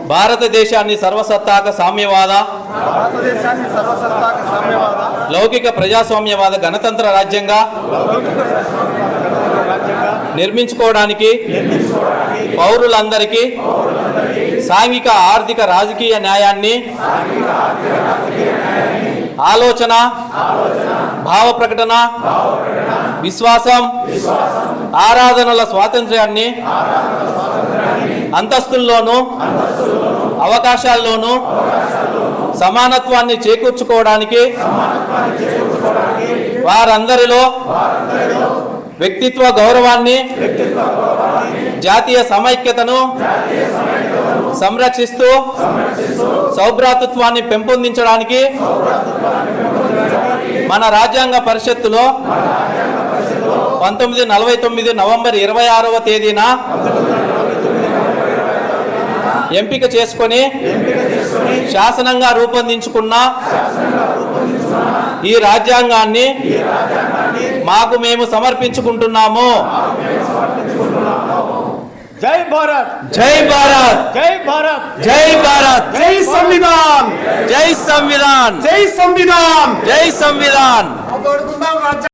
భారతదేశాన్ని సర్వసత్తాక సామ్యవాద లౌకిక ప్రజాస్వామ్యవాద గణతంత్ర రాజ్యంగా నిర్మించుకోవడానికి పౌరులందరికీ సాంఘిక ఆర్థిక రాజకీయ న్యాయాన్ని ఆలోచన భావ ప్రకటన విశ్వాసం ఆరాధనల స్వాతంత్ర్యాన్ని అంతస్తుల్లోనూ అవకాశాల్లోనూ సమానత్వాన్ని చేకూర్చుకోవడానికి వారందరిలో వ్యక్తిత్వ గౌరవాన్ని జాతీయ సమైక్యతను సంరక్షిస్తూ సౌభ్రాతృత్వాన్ని పెంపొందించడానికి మన రాజ్యాంగ పరిషత్తులో 1949 నవంబర్ 26వ తేదీన ఎంపిక చేసుకొని శాసనంగా రూపొందించుకున్న ఈ రాజ్యాంగాన్ని మాకు మేము సమర్పించుకుంటున్నాము. జై భారత్, జై భారత్, జై భారత్, జై భారత్, జై సంవిధాన్, జై సంవిధాన్, జై సంవిధాన్, జై సంవిధాన్.